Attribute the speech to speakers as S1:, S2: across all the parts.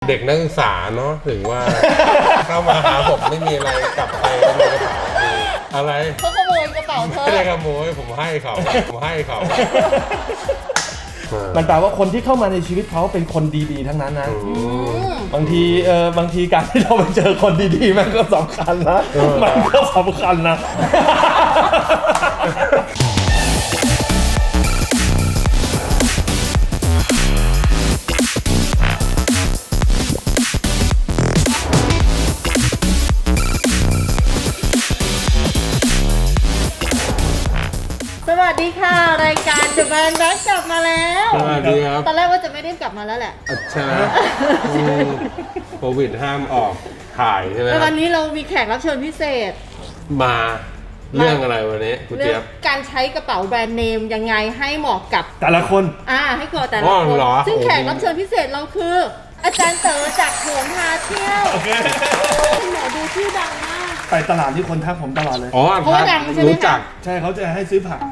S1: เด็กนักศึกษาเนาะถึงว่า เข้ามาหาผมไม่มีอะไรกลับไปก็มีกระเป๋าอะไร
S2: เขาขโมยกระเป๋าเธอ
S1: ไม่ได้ขโมยผมให้เขา
S3: มันแปลว่าคนที่เข้ามาในชีวิตเขาเป็นคนดีๆทั้งนั้นนะบางทีการที่เราไปเจอคนดีๆมันก็สำคัญนะมันก็สำคัญนะ
S2: สวัสดีค่ะรายการ The Band Back กลับมาแล้ว
S1: สวัสดีครับ
S2: ตอนแรกว่าจะไม่ได้กลับมาแล้วแหละ
S1: ใช่โควิดห้ามออกถ่ายใช่ไหม
S2: แต่วันนี้เรามีแขกรับเชิญพิเศษ
S1: มาเรื่องอะไรวันนี้คุณเจี๊ยบ
S2: การใช้กระเป๋าแบรนด์เนมยังไงให้เหมาะกับ
S3: แต่ละคน
S2: ให้เหมาะแต่ละคนซึ่งแขกรับเชิญพิเศษเราคืออาจารย์เต๋อจากโหนพาเที่ยวคุณหมอดูชื่อดังมาก
S3: ไปตลาดที่คนทักผมตลอดเลย
S2: เพราะว่าดังใช่ไหม
S1: รู้จัก
S3: ใช่เขาจะให้ซื้อผัก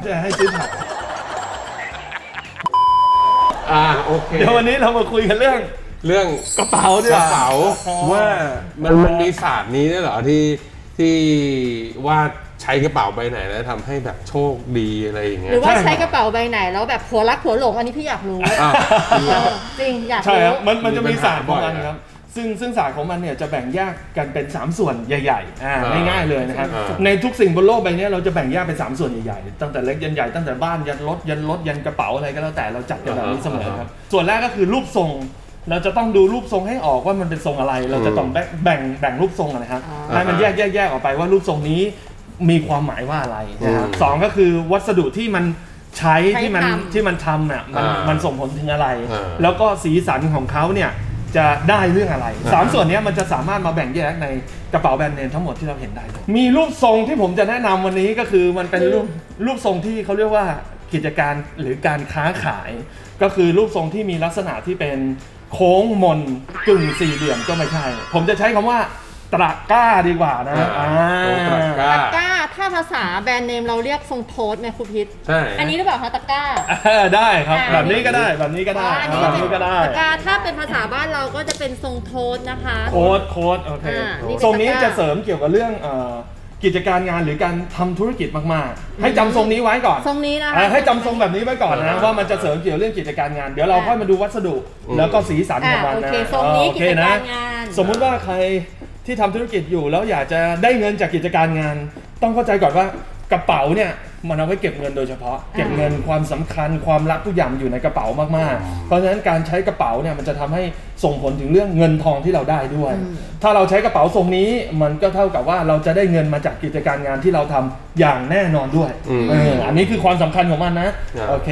S1: โอเค
S3: เดี๋ยววันนี้เรามาคุยกันเรื่องกระเป๋าด้วย
S1: กระเป๋าว่ามันมีศาสตร์นี้ด้วยเหรอที่ว่าใช้กระเป๋าใบไหนแล้วทำให้แบบโชคดีอะไรอย่างเงี้ย
S2: หรือว่าใช้กระเป๋าใบไหนแล้วแบบผัวรักผัวหลงอันนี้พี่อยากรู้จริงอยากรู้
S3: ใช่ครับมันจะมีศาสตร์ของมันครับซึ่งศาสตร์ของมันเนี่ยจะแบ่งแยกกันเป็น3ส่วนใหญ่ๆง่ายๆเลยนะครับในทุกสิ่งบนโลกใบนี้เราจะแบ่งแยกเป็น3ส่วนใหญ่ๆตั้งแต่เล็กยันใหญ่ตั้งแต่บ้านยันรถยันกระเป๋าอะไรก็แล้วแต่เราจัดกันแบบนี้เสมอครับส่วนแรกก็คือรูปทรงเราจะต้องดูรูปทรงให้ออกว่ามันเป็นทรงอะไรเราจะต้องแบ่งรูปทรงนะครับให้มันแยกออกไปว่ารูปทรงนี้มีความหมายว่าอะไรนะครับสองก็คือวัสดุที่มันใช้ที่มันทำเนี่ยมันส่งผลถึงอะไรแล้วก็สีสันของเขาเนี่ยจะได้เรื่องอะไร3ส่วนนี้มันจะสามารถมาแบ่งแยกในกระเป๋าแบรนด์เนมทั้งหมดที่เราเห็นได้มีรูปทรงที่ผมจะแนะนำวันนี้ก็คือมันเป็นรูปทรงที่เขาเรียกว่ากิจการหรือการค้าขายก็คือรูปทรงที่มีลักษณะที่เป็นโค้งมนกึ่งสี่เหลี่ยมก็ไม่ใช่ผมจะใช้คำว่าตะกร้าดีกว่านะ
S2: ตะกร้าถ้าภาษาแบรนด์เนมเราเรียกทรงโทสไหมครูพิษ
S1: ใช่
S2: อันนี้หรือเปล่าคะตะกร้า
S3: ได้ครับแบบนี้ก็ได้แบบนี้ก็ได้
S2: ตะกร้าถ้าเป็นภาษาบ้านเราก็จะเป็นทรงโทสนะคะ
S3: โค้ดโอเคทรงนี้จะเสริมเกี่ยวกับเรื่องกิจการงานหรือการทำธุรกิจมากๆให้จำทรงนี้ไว้ก่อน
S2: ทรงนี้นะ
S3: ให้จำทรงแบบนี้ไว้ก่อนนะว่ามันจะเสริมเกี่ยวเรื่องกิจการงานเดี๋ยวเราค่อยมาดูวัสดุแล้วก็สีสันของมันนะ
S2: ทรงนี้กิจการงาน
S3: สมมุติว่าใครที่ทำธุรกิจอยู่แล้วอยากจะได้เงินจากกิจการงานต้องเข้าใจก่อนว่ากระเป๋าเนี่ยมันเอาไว้เก็บเงินโดยเฉพาะเก็บเงินความสำคัญความรักทุกอย่างอยู่ในกระเป๋ามากๆเพราะฉะนั้นการใช้กระเป๋าเนี่ยมันจะทำให้ส่งผลถึงเรื่องเงินทองที่เราได้ด้วยถ้าเราใช้กระเป๋าทรงนี้มันก็เท่ากับว่าเราจะได้เงินมาจากกิจการงานที่เราทำอย่างแน่นอนด้วยอันนี้คือความสำคัญของมันนะโอเค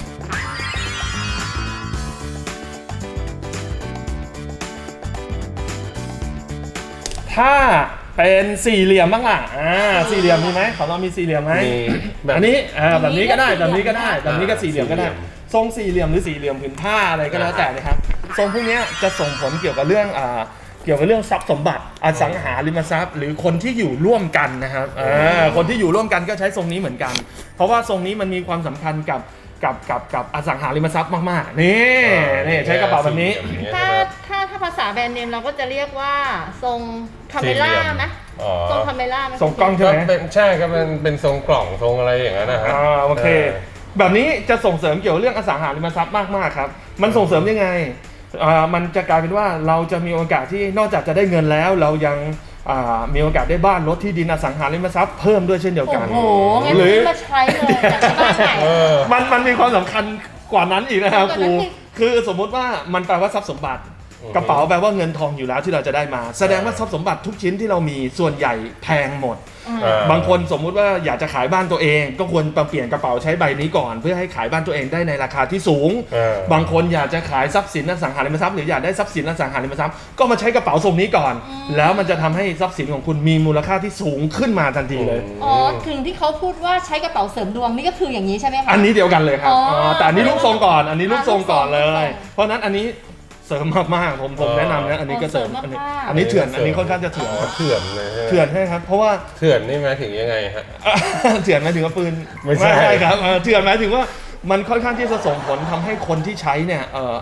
S3: ถ้าเป็นสี่เหลี่ยมบ้างล่ะสี่เหลี่ยมมีไหมของเรามีสี่เหลี่ยมไหมอันนี้แบบนี้ก็ได้แบบนี้ก็ได้แบบนี้ก็สี่เหลี่ยมก็ได้ทรงสี่เหลี่ยมหรือสี่เหลี่ยมผืนผ้าอะไรก็แล้วแต่นะครับทรงพวกนี้จะส่งผลเกี่ยวกับเรื่องทรัพย์สมบัติอสังหาริมทรัพย์หรือคนที่อยู่ร่วมกันนะครับคนที่อยู่ร่วมกันก็ใช้ทรงนี้เหมือนกันเพราะว่าทรงนี้มันมีความสำคัญกับอสังหาริมทรัพย์มากๆนี่ใช้กระเป๋าแบบนี้
S2: ถ้าภาษาแบรนด์เนมเราก็จะเรียกว่าทรงคาเมล่าไหมทรงคาเมล่าไหม
S3: ทรงกล้องใช่ไหม
S1: ใช่ก็เป็นทรงกล่องทรงอะไรอย่างนั้นนะครับ
S3: โอเคแบบนี้จะส่งเสริมเกี่ยวเรื่องอสังหาริมทรัพย์มากๆครับมันส่งเสริมยังไงมันจะกลายเป็นว่าเราจะมีโอกาสที่นอกจากจะได้เงินแล้วเรายังมีโอกาสได้บ้านรถที่ดินอสังหาริมทรัพย์เพิ่มด้วยเช่นเดียวกัน
S2: โอ้โหงั้นมาใช้เลยจากบ้านไหน
S3: มันมีความสำคัญกว่านั้นอีกนะครับครูคือสมมุติว่ามันแปลว่าทรัพย์สมบัติกระเป๋าแปลว่าเงินทองอยู่แล้วที่เราจะได้มาแสดงว่าทรัพย์สมบัติทุกชิ้นที่เรามีส่วนใหญ่แพงหมดบางคนสมมุติว่าอยากจะขายบ้านตัวเองก็ควรเปลี่ยนกระเป๋าใช้ใบนี้ก่อนเพื่อให้ขายบ้านตัวเองได้ในราคาที่สูงบางคนอยากจะขายทรัพย์สินอสังหาริมทรัพย์หรืออยากได้ทรัพย์สินอสังหาริมทรัพย์ก็มาใช้กระเป๋าทรงนี้ก่อนแล้วมันจะทำให้ทรัพย์สินของคุณมีมูลค่าที่สูงขึ้นมาทันทีเลย
S2: ถึงที่เขาพูดว่าใช้กระเป๋าเสริมดวงนี่ก็คืออย่างนี้ใช่ไหมคะ
S3: อันนี้เดียวกันเลยครับแต่อันนี้รูปทรงก่อนอันนี้รูปทรงก่อนเลยเพราะนั้นอันนี้เสริมมากๆผมแนะนำนะอันนี้ก็เสริมอันนี้เถื่อนอันนี้ค่อนข้างจะเถื่อน
S1: เลย
S3: เถื่อนใช่ครับเพราะว่า
S1: เถื่อนนี่หมายถึงยังไงฮะ
S3: เถื่อนหมายถึงว่าปืนไม่ใช่ครับเถื่อนหมายถึงว่ามันค่อนข้างที่จะส่งผลทำให้คนที่ใช้เนี่ย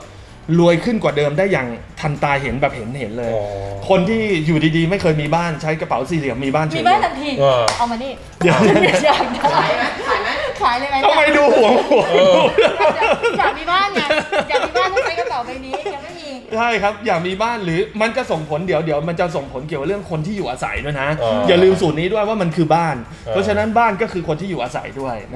S3: รวยขึ้นกว่าเดิมได้อย่างทันตาเห็นแบบเห็นเลย
S1: อ๋อ
S3: คนที่อยู่ดีๆไม่เคยมีบ้านใช้กระเป๋าสี่เหลี่ยมมีบ้านเฉ
S2: มี
S3: ย
S2: บ้านทันที
S1: เออ
S2: เอามานี่
S3: เดี๋ยว
S2: อยากขายไหมขายเลยไหม
S3: ทำไมดูห่วง
S2: อยากมีบ้านไงอยากมีบ้านต้องใช้กระเป๋าใบนี้ยังไม่มี
S3: ใช่ครับอยากมีบ้านหรือมันจะส่งผลเดี๋ยวมันจะส่งผลเกี่ยวกับเรื่องคนที่อยู่อาศัยด้วยนะ อย่าลืมสูตรนี้ด้วยว่ามันคือบ้าน เพราะฉะนั้นบ้านก็คือคนที่อยู่อาศัยด้วยนะ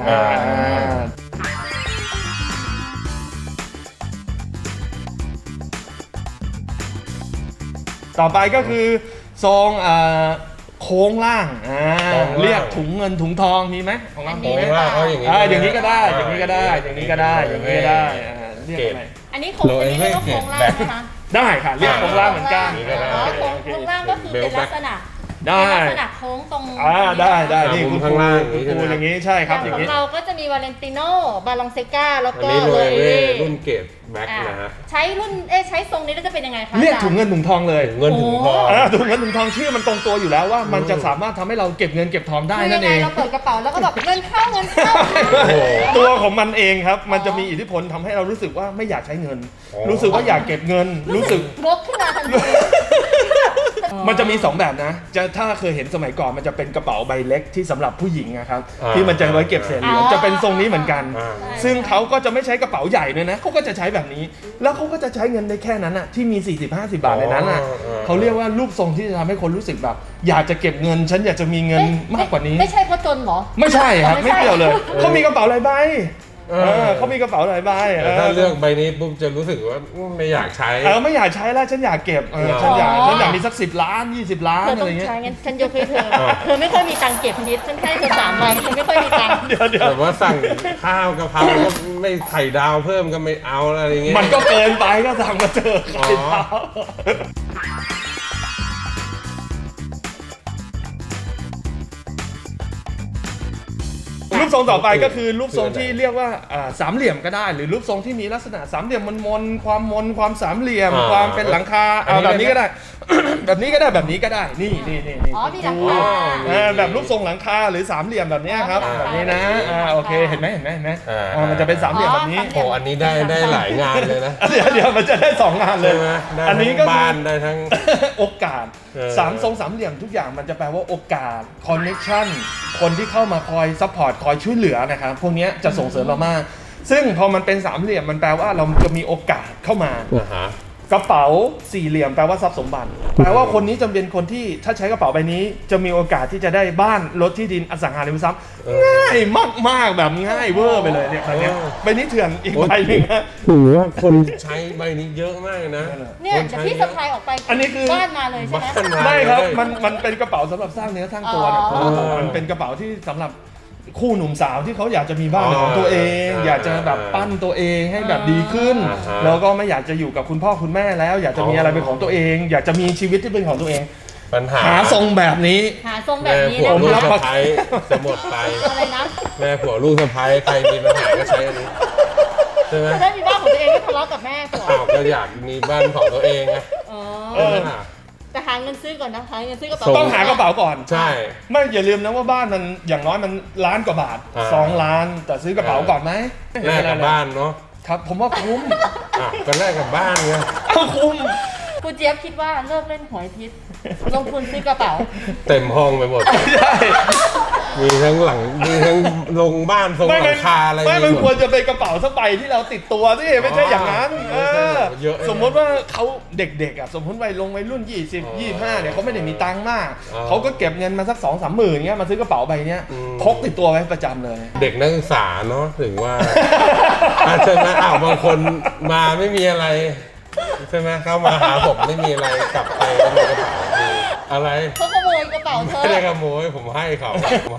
S3: ต่อไปก็คือทรงโค้งล่าง
S1: โค้งล่าง
S3: เรียกถุงเงินถุงทองมีไหมของเรา
S1: โค้งล่างเขาอย่างนี้
S3: อย่างนี้ก็ได้อย่างนี้ก็ได้อย่างนี้ก็ได้อย่างนี้ก็ได้เรียกอะไร
S2: อันนี้โครงอันนี้เรียกว่าโครงล่างนะคะ
S3: ได้ค่ะเรียกโค้งล่างเหมือนกัน
S2: อ๋อโครงล่างก็คือเป็นลักษณะ
S3: ได้
S2: เป็นลักษณะโค้งตรง
S3: ได้นี่
S1: มุ
S3: คุ
S1: ม
S3: ณ
S1: ข้างล่าง
S3: ครูอย่างนี้ใช่ครับอย่าง
S2: ขอ
S3: นี้
S2: งเราก็จะมีวาเลนติโน่บาลองเซกาแล้ว
S1: อัน
S2: ก็
S1: นี้โร
S2: เลย
S1: เว่รุ่นเกรดแบ็คนะฮะ
S2: ใช้รุ่นใช้ทรงนี้แล้วจะเป็นยังไงคะ
S3: เรียก
S2: อาจา
S3: ถุงเงินถุงทองเลย
S1: เงินถึงพอ
S3: ถุงเงินถุงทองชื่อมันตรงตัวอยู่แล้วว่ามันจะสามารถทำให้เราเก็บเงินเก็บทองได้
S2: คือ
S3: นั่
S2: ยั
S3: น
S2: ง
S3: เอ
S2: ไง
S3: ง
S2: เราเปิดกระเป๋าแล้วก็แบบเงินเข้าเงินเข้า
S1: โอ้โห
S3: ตัวของมันเองครับมันจะมีอิทธิพลทำให้เรารู้สึกว่าไม่อยากใช้เงิน
S1: อ๋อ
S3: รู้สึกว่าอยากเก็บเงินรู้สึก
S2: งกขึ้นมาทันที
S3: มันจะมี2แบบนะถ้าเคยเห็นสมัยก่อนมันจะเป็นกระเป๋าใบเล็กที่สำหรับผู้หญิงนะครับที่มันจะไว้เก็บเศษเหรียญจะเป็นทรงนี้เหมือนกัน ซึ่งเขาก็จะไม่ใช้กระเป๋าใหญ่ด้วยนะเขาก็จะใช้แบบนี้ แล้วเขาก็จะใช้เงินได้แค่นั้นอ่ะที่มี40-50 บาทในนั้นอ่ะเขาเรียกว่ารูปทรงที่จะทำให้คนรู้สึกแบบอยากจะเก็บเงินฉันอยากจะมีเงินมากกว่านี้
S2: ไม่ใช่เพราะจนเหรอ
S3: ไม่ใช่ครับ
S2: ไม่
S3: ไม่
S2: ใช่
S3: เกี่ยวเลยเขามีกระเป๋าหลายใบเขามีกระเป๋าหลายใบ
S1: แต่ถ้าเลือกใบนี้ปุ๊บจะรู้สึกว่าไม่อยากใช้
S3: ไม่อยากใช้แล้วฉันอยากเก็บฉันอยากมีสัก10 ล้าน20 ล้าน
S2: เธอ
S3: อะ
S2: ต้
S3: ไร
S2: อง
S3: เงี้ย
S2: ใช้งั้นฉันยกให้เธอเธอไม่ค่อยมีตังค์เก็บนิดฉันให้เธอ3 ใบฉันไม่ค่อยมีตังค์
S3: เดี๋ยว
S1: แบบว่าสั่งข้าวกะเพราก็ไม่ไข่ดาวเพิ่มก็ไม่เอาอะไรอย่างเงี้ย
S3: มันก็เกินไปก็สั่งมาเจอใครเท้ารูปทรงต่อไปก็คือรูปทรงที่เรียกว่าสามเหลี่ยมก็ได้ หรือรูปทรงที่มีลักษณะสามเหลี่ยมมนความสามเหลี่ยมความเป็นหลังคาแบบนี้ก็ได้ แบบนี้ก็ได้แบบนี้ก็ได้นี่
S2: อ๋อมีหลังคา
S3: แบบรูปทรงหลังคาหรือสามเหลี่ยมแบบนี้ครับแบบนี้นะโอเคเห็นไหมมันจะเป็นสามเหลี่ยมแบบนี้
S1: โอ้อันนี้ได้หลายงานเลยนะ
S3: เดี๋ยวมันจะได้2 งานเลย
S1: ใช่ไหมได้
S3: อันนี้ก็
S1: ทั้งบ้านได้ทั้ง
S3: โอกาส3 ทรงสามเหลี่ยมทุกอย่างมันจะแปลว่าโอกาสคอนเนคชั่นคนที่เข้ามาคอยซัพพอร์ตคอยช่วยเหลือนะครับพวกนี้จะส่งเสริมเรามากซึ่งพอมันเป็นสามเหลี่ยมมันแปลว่าเราจะมีโอกาสเข้ามา กระเป๋าสี่เหลี่ยมแปลว่าทรัพย์สมบัติแปลว่าคนนี้จะเป็นคนที่ถ้าใช้กระเป๋าใบนี้จะมีโอกาสที่จะได้บ้านรถที่ดินอสังหาริมทรัพย์ง่ายมากๆแบบง่ายเวอร์ไปเลยเนี่ยใบนี้ใบนี้เถื่อนอีกใบหนึงนะ
S1: ถือว่าคนใช้ใบนี้เยอะมากนะ
S2: เนี่ยเดี๋ยวพี่สะพายออกไป
S3: อันนี้คือ
S2: บ้านมาเลยใช่ไหม
S1: บ้านมา
S3: ไม่ครับมันเป็นกระเป๋าสำหรับสร้างเนื้อสร้างตัวนะ
S2: อ๋อ
S3: มันเป็นกระเป๋าที่สำหรับคู่หนุ่มสาวที่เขาอยากจะมีบ้านเป็นของตัวเอง อยากจะแบบปั้นตัวเองให้แบบดีขึ้น แล้วก็ไม่อยากจะอยู่กับคุณพ่อคุณแม่แล้ว อยากจะมีอะไรเป็นของตัวเอง อยากจะมีชีวิตที่เป็นของตัวเอง
S1: ปัญหา
S3: หาทรงแบบนี้
S2: หาทรงแบบนี้
S1: ผัว
S2: นะ
S1: ลูก
S3: รับ
S1: สะ
S3: ประกัน
S1: ใภ้จะหมดไป
S2: อะไรนะ
S1: แม่ผัวลูกสะใภ้ใครมีปัญหาก็ใช้อันนี้ใช่ไหม
S2: จะได้มีบ้านของตัวเองไม่ทะเลาะกับแม่ผัว
S1: อ้าวก็อยากมีบ้านของตัวเองไง
S2: อ๋อ
S1: ใช่ไหมล่ะ
S2: แต่หาเงินซื้อก่อนนะหาเงินซื้อกระเป๋า
S3: ต้องหากระเป๋าก่อน
S1: ใช่
S3: ไม่อย่าลืมนะว่าบ้านมันอย่างน้อยมันล้านกว่าบาท 2 ล้าน แต่ซื้อกระเป๋าก่อนไหม
S1: แลกกับบ้านเนาะ
S3: ครับผมว่าคุ้ม
S1: ก็แลกกับบ้านไง
S3: คุ้ม
S2: คุณเจี๊ยบคิดว่าเลิกเล่นหวยพิษลงทุนซื้อกระเป๋า
S1: เต็มห้องไปหมด
S3: ใช่
S1: มีทั้งหลังมีทั้งลงบ้านทรงหลังคาอะไร
S3: ไม่มัน
S1: ห
S3: ควรจะเป็นกระเป๋าสักใบที่เราติดตัวสิไม่ใช่อย่างนั้น
S1: เยอะ
S3: สมมติว่าเขาเด็กๆอ่ะสมมติวัยรุ่น20 25เนี่ยเขาไม่ได้มีตังค์มาก เขาก็เก็บเงินมาสัก 2-3 หมื่นเงี้ยมาซื้อกระเป๋าใบเนี้ยพกติดตัวไว้ประจำเลย
S1: เด็กนักศึกษาเนาะถึงว่าใช่ไหมบางคนมาไม่มีอะไรใช่ไหมเข้ามาหาผมไม่มีอะไรกลับไปก็มีกระเป๋ามีอะไร
S2: เขาขโมยกระเป๋าเธอ
S1: ไม่ได้ขโมยผมให้เขา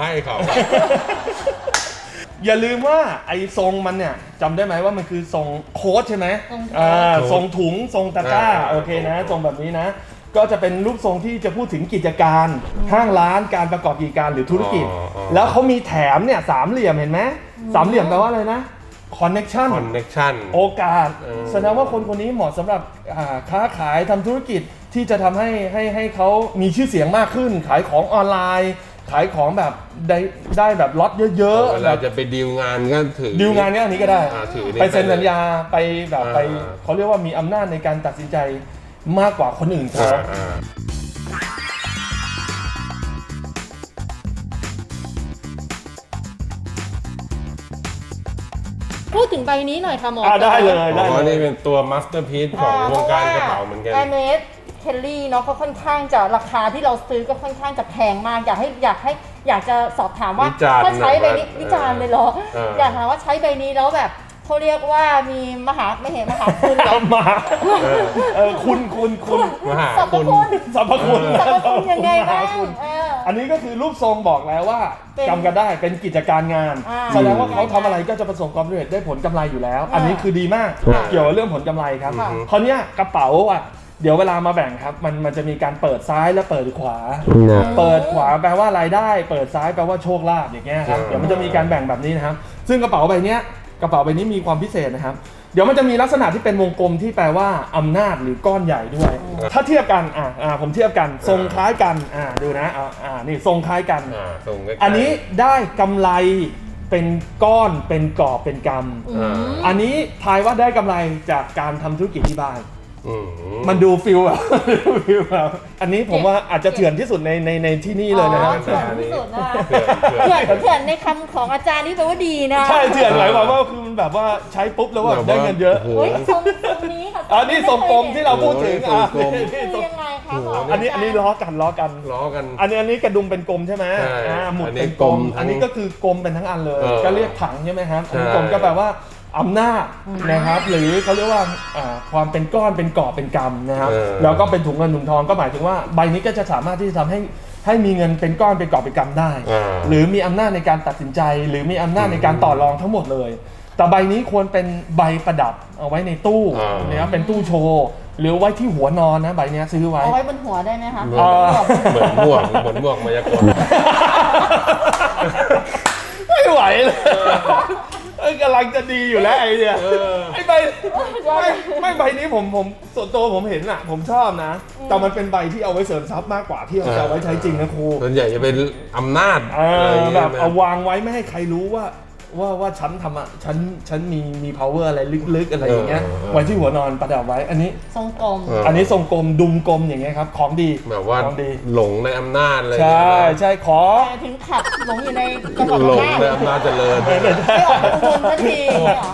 S3: อย่าลืมว่าไอ้ทรงมันเนี่ยจำได้ไหมว่ามันคือทรงโค้ดใช่ไหมทรงถุงทรงตะกร้าโอเคนะทรงแบบนี้นะ ก็จะเป็นรูปทรงที่จะพูดถึงกิจการห้างร้านการประกอบกิจการหรือธุรกิจ แล้วเขามีแถมเนี่ยสามเหลี่ยมเห็นไหมสามเหลี่ยมแปลว่าอะไรนะคอนเน็ชัน
S1: connection
S3: โอกาสแสดงว่าคนนี้เหมาะสำหรับค้าขายทำธุรกิจที่จะทำให้เขามีชื่อเสียงมากขึ้น ขายของออนไลน์ขายของแบบได้แบบล็อตเยอะ
S1: เว
S3: ๆ
S1: ลาจะไปดีลงานก็ถือ
S3: ดีลงานเนี้ยอันนี้ก็ได้
S1: ถือนี่
S3: ไปเซ็นสัญญาไปแบบไป
S1: อ่า
S3: เขาเรียกว่ามีอำนาจในการตัดสินใจมากกว่าคนอื่นเขา
S2: พูดถึงใบนี้หน่อยค่ะหมอ
S3: ได้เลย
S1: อ๋อนี่เป็นตัวมาสเตอร์พีซของวงการกระเป๋าเหมือนกัน
S2: แอร์เมสเคลลี่เนาะเขาค่อนข้างจะราคาที่เราซื้อก็ค่อนข้างจะแพงมากอยากจะสอบถามว่า
S1: วิจารณ์
S2: ถ้าใช้ใบนี้
S1: หน่อย
S2: วิจารณ์เลยเหรอ อยากถามว่าใช้ใบนี้แล้วแบบเขาเรียกว่ามีมหาคุณเหรอ
S3: มาคุณ
S1: มหา
S2: สรรพ
S1: คุณ
S2: คุณ
S3: สรรพคุณ
S2: สรรพคุณยังไงบ้าง
S3: คุณ
S2: เออ
S3: อันนี้ก็คือรูปทรงบอกแล้วว่า
S2: เป็น
S3: จำกันได้เป็นกิจการงาน
S2: อ่า
S3: แสดงว่าเขาทำอะไรก็จะประสบความสำเร็จได้ผลกำไรอยู่แล้ว อันนี้คือดีมาก
S1: ค่ะ
S3: เกี่ยวกับเรื่องผลกำไรครับ
S2: ค่ะ
S3: คราวเนี้ยกระเป๋าอ่ะเดี๋ยวเวลามาแบ่งครับมันจะมีการเปิดซ้ายและเปิดขวา เปิดขวาแปลว่ารายได้ เปิดซ้ายแปลว่าโชคลาภอย่างเงี้ยครับ เดี๋ยวมันจะมีการแบ่งแบบนี้นะครับ ซึ่งกระเป๋าใบเนี้ยกระเป๋าใบนี้มีความพิเศษนะครับ เดี๋ยวมันจะมีลักษณะที่เป็นวงกลมที่แปลว่าอำนาจหรือก้อนใหญ่ด้วย ถ้าเทียบกันผมเทียบกันทรงคล้ายกันดูนะนี่ทรงคล้ายกัน
S1: ส่งใกล้ๆ
S3: อันนี้ได้กำไรเป็นก้อนเป็นกอบเป็นก อันนี้ทายว่าได้กำไรจากการทำธุรกิจที่บ้าน มันดูฟิลแบบ อันนี้ผมว่าอาจจะเถื่อนที่สุดในที่นี่เลยนะ
S2: อ๋
S3: ค
S2: อ
S3: รับ
S2: เถื่อนที่สุดนะคะ
S1: เถื่อน
S2: เถื่อนในคำของอาจารย์นี่แปลว่าดีนะ
S3: ใช่เถื่อนหมายความว่าคือมันแบบว่าใช้ปุ๊บแล้วแบบได้เงินเยอะ
S1: โโห
S2: เฮ้ยทรงนี้ค่ะ
S3: นี่ทรงกลมที่เราพูดถึง
S1: โอ้โหทรงกลม
S2: คือยังไงคะหมอ
S3: อันนี้ล้อกัน
S1: ล้อกัน
S3: อันนี้กระดุมเป็นกลมใช่ไหม
S1: ใช่
S3: หมุด
S1: อันนี้
S3: เป็นกลม
S1: กลมทั้ง
S3: อันนี้ก็คือกลมเป็นทั้งอันเลย ก็เรียกถังใช่ไหมครับ อันนี้
S1: ใช่
S3: กลมก็แปลว่าอำนาจนะครับ หรือเขาเรียกว่าความเป็นก้อนเป็นกอบเป็นกำนะครับ แล้วก็เป็นถุงเงินถุงทองก็หมายถึงว่าใบนี้ก็จะสามารถที่จะทำให้มีเงินเป็นก้อนเป็นกอบเป็นกำได้ หรือมีอำนาจในการตัดสินใจ หรือมีอำนาจในการต่อรองทั้งหมดเลย แต่ใบนี้ควรเป็นใบประดับเอาไว้ในตู้นะครับเป็นตู้โชว์หรือไว้ที่หัวนอนนะใบนี้ซื้อไว้
S2: เอาไว้บนหัวได้ไหมคะ
S1: เหมือนหมวกมายากล
S3: ไม่ไหวเลยกำลังจะดีอยู่แล้วไอ้เนี่ยไอ้ใบไม่ใบนี้ผมส่วนตัวผมเห็นอ่ะผมชอบนะ แต่มันเป็นใบที่เอาไว้เสริมทรัพย์มากกว่าที่เอาจะเอาไว้ใช้จริงนะครู
S1: ส่วนใหญ่จะเป็นอำนาจอะไรอย่าง
S3: แบ
S1: เงี้ย
S3: บเอาวางไว้ไม่ให้ใครรู้ว่าฉันทำอ่ะฉันมี power อะไรลึกๆอะไรอย่างเงี้ยไว้ที่หัวนอนประดับไว้อันนี้
S2: ทรงกลม
S3: อันนี้ทรงกลมดุมกลมอย่างเงี้ยครับของดี
S1: แบบว่า
S3: ของดี
S1: หลงในอำนาจเลย
S3: ใช่ขอ
S2: แต่ถึงขับหลงอยู่ในจังหวัด
S1: หลง
S2: น่าน
S1: ในอำนาจเจริญ
S2: ไม่ออกอุบลสักทีเหรอ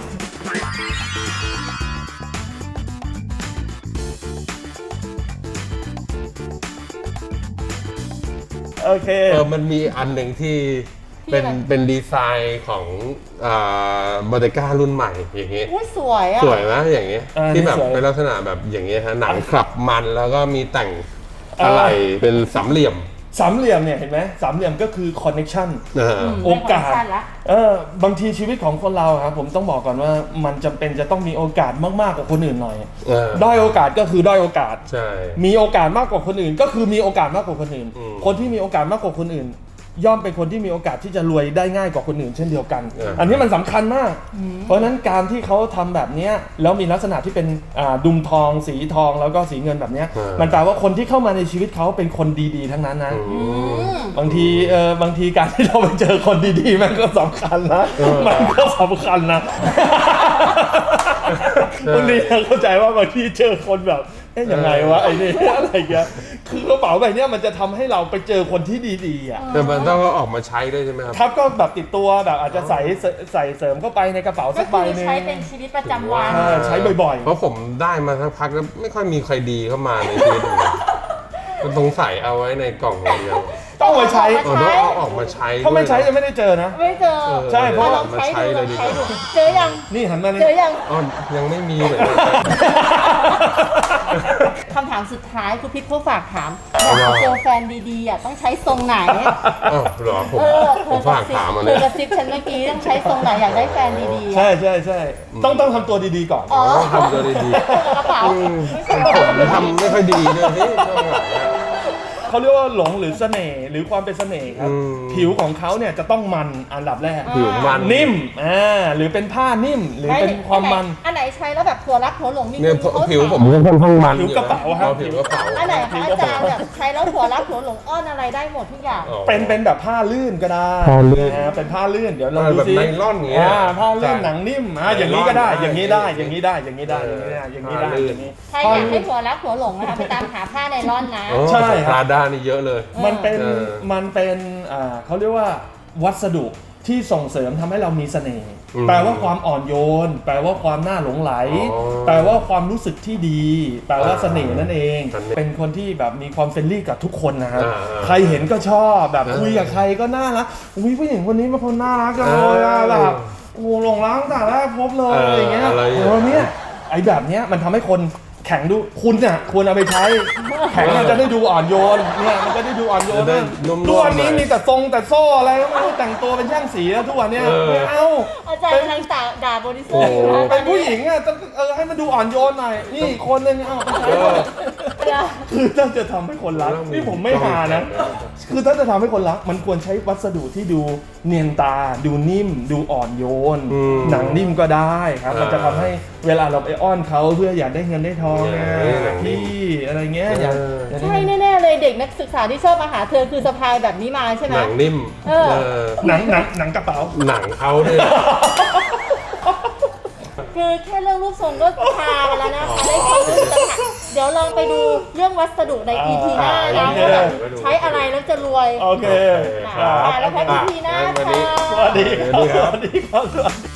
S3: โอเค
S1: มันมีอันหนึ่งที่เป็นดีไซน์ของบอเตก้ารุ่นใหม่อย่างเงี้ย
S2: อุ้ยสวยอ่ะ
S1: สวยไหมอย่างเงี้ย ที่แบบเป็นลักษณะแบบอย่างเงี้ยฮะหนังคลับมันแล้วก็มีแต่งอะไรเป็นสามเหลี่ยม
S3: สามเหลี่ยมเนี่ยเห็นไหมสามเหลี่ยมก็คือ connection โอกาส
S2: ละ
S3: บางทีชีวิตของคนเราครับผมต้องบอกก่อนว่ามันจำเป็นจะต้องมีโอกาสมากๆกว่าคนอื่นหน่อยด้อยโอกาสก็คือด้อยโอกาส
S1: ใช่
S3: มีโอกาสมากกว่าคนอื่น ก็คือมีโอกาสมากกว่าคนอื่น คนที่มีโอกาสมากกว่าคนอื่น ย่อมเป็นคนที่มีโอกาสที่จะรวยได้ง่ายกว่าคนอื่นเช่นเดียวกัน อันนี้มันสำคัญมาก เพราะฉะนั้นการที่เขาทำแบบเนี้ยแล้วมีลักษณะที่เป็นดุมทองสีทองแล้วก็สีเงินแบบเนี้ยมันแปลว่าคนที่เข้ามาในชีวิตเขาเป็นคนดีๆทั้งนั้นนะ บางทีการที่เราไปเจอคนดีๆมันก็สำคัญนะมันก็สำคัญนะบางทีเราเข้าใจว่าบางทีเจอคนแบบยังไงวะไอ้นี่อะไรเงี้ยคือกระเป๋าใบเนี้ยมันจะทำให้เราไปเจอคนที่ดีๆอ่ะ
S1: แต่มันต้องเอาออกมาใช้ด้วยใช่ไหมครับ
S3: ครับก็แบบติดตัวแบบอาจจะใส่เสริมเข้าไปในกระเป๋า
S2: ก็
S3: สักใบ
S2: คือ
S3: หนึง
S2: ใช้เป็นชีวิตประจำวัน
S3: ใช้บ่อย
S1: เพราะผมได้มาสักพักแล้วไม่ค่อยมีใครดีเข้ามาในชีวิตผมมันสงสัยเอาไว้ในกล่องอย่างเดียว
S3: ๆต้องมาใช้
S1: ต้องเอาออกมาใช้
S3: ถ้าไม่ใช้จะไม่ได้เจอนะ
S2: ไม่เจอ
S3: ใช่เพราะ
S2: ลองใช้ดูลองใช้ดูเจอยัง
S3: นี่หันมานี่
S2: เจอยัง
S1: อ๋อยังไม่มีเลย
S2: คำถามสุดท้ายคุณพิษเขาฝากถามอยากจะเจอแฟนดีๆอ่ะต้องใช้ทรงไหน
S1: อ๋อเหรอผมฝากถามมา
S2: เธ
S1: เนี่
S2: อย กระซิบฉันเมื่อกี้ต้องใช้ทรงไหนอยากได้แฟนดีๆ
S3: ใช่ต้องทำตัวดีๆก่อน
S2: อ๋อ
S1: ต้องทำตัวดี
S2: กระเป๋า
S1: ๆผมทำไม่ค่อยดีด้วยพี่ช่วงหลังเนี่ย
S3: เขาเรียกว่าหลงหรือเสน่ห์หรือความเป็นเสน่ห์ครับ ผิวของเขาเนี่ยจะต้องมันอันดับแรก
S1: ผิวมัน
S3: นิ่มหรือเป็นผ้านิ่มหรือเป็นความมัน
S2: อันไหนใช้แล้วแบบหัวรักหัวหลงมี
S1: เนี่ย
S2: คนเขา
S1: ผิว
S2: ถาม
S1: ผมก็ค่อนข้างมัน
S3: ผิวกระเป๋าครับ
S1: ผิวกระเป๋า
S2: อันไหนคะอาจารย์แบบใช้แล้วหัวรักหัวหลงอ้อนอะไรได้หมดทุกอย่าง
S3: เป็นแบบผ้าลื่นก็ได้
S1: ผ้าลื่น
S3: เป็นผ้าลื่นเดี๋ยวเราดู
S1: แบบ
S3: สิ
S1: ไนล่อนอย่างเงี้ย
S3: ผ้าลื่นหนังนิ่มอย่างนี้ก็ได้
S1: ไนล่อน
S3: อย่างนี้ได้อย่างนี้ได้อย่างนี้ได้อย่างนี้ได้อย่างนี้
S2: ใครอยากให้หัวรักหัวหลงนะคะไปตามหาผ้าไนล่อนนะ
S3: ใช่ครับ
S1: ปลาด้านี่เยอะเลย
S3: มันเป็น
S1: เออ
S3: เขาเรียกว่าวัสดุที่ส่งเสริมทำให้เรามีเสน่ห์
S1: อืม
S3: แปลว่าความอ่อนโยน แปลว่าความน่าหลงไหล
S1: อ๋อ
S3: แปลว่าความรู้สึกที่ดี แปลว่าเสน่ห์นั่นเอง
S1: เสน่ห์
S3: เป็นคนที่แบบมีความเฟรนลี่กับทุกคนนะครับ
S1: อ่า
S3: ใครเห็นก็ชอบแบบ
S1: เออ
S3: คุยกับใครก็น่ารักอุ้ยผู้หญิงคนนี้เป็นคนน่ารักจังเลยอะ
S1: เออ
S3: แบบโอ้หลงรักตั้งแต่แรกพบเลยอะไรอย่างเงี้ย
S1: อะไรอย่างเงี้ย
S3: เนี่ยไอ้แบบเนี้ยมันทำให้คนแข็งดูคุณเนี่ยควรเอาไปใช้ แข็งมันจะได้ดูอ่อนโยนเนี่ยมันจะได้ดูอ่อนโยน
S1: จะได้
S3: นะ
S1: นุ่มๆ
S3: ทุกวันนี้
S1: หน่อย
S3: มีแต่ทรงแต่โซ่อะไรก็ไม่รู้แต่งตัวเป็นช่างสีแล้วทุกวันเนี้ย
S1: เออ
S3: ไม่เอา
S2: อาจารย์กำลังด่าบริสุทธิ์อยู่
S1: โอ้
S2: นะ
S3: เป็นผู้หญิงอ่ะต้องให้มันดูอ่อนโยนหน่อยนี่คนนึงเอาไปใช้ก่อนคือถ้าจะทำให้คนรักนี่ผมไม่หานะ คือถ้าจะทำให้คนรักมันควรใช้วัสดุที่ดูเนียนตา ดูนิ่ม ดูอ่อนโยน
S1: อืม
S3: หนังนิ่มก็ได้ครับ มันจะทำให้เวลาเราไปอ้อนเขาเพื่ออยากได้เงินได้ทองไง
S1: หนังนิ่ม
S3: พี่อะไรเงี้ยอยากได้
S2: ใช่แน่ๆเลยเด็กนักศึกษาที่ชอบมาหาเธอคือสะพายแบบนี้มาใช่ไหม
S1: หนังนิ่ม
S2: เออ
S3: หนังกระเป๋า
S1: หนังเขาเนี่ย
S2: คือแค่เรื่องรูปทรงก็พาไปแล้วนะคะได้ความรู้ต่างหากเดี๋ยวลองไปดูเรื่องวัสดุใน EP หน้านะ
S3: โอเค
S2: ว่าแบบใช้อะไรแล้วจะรวย
S3: โอเค
S2: แล้วพบ EP หน้าค่ะ
S3: สวัสดี
S1: สวัสดีครับ
S3: สวัสดีครับ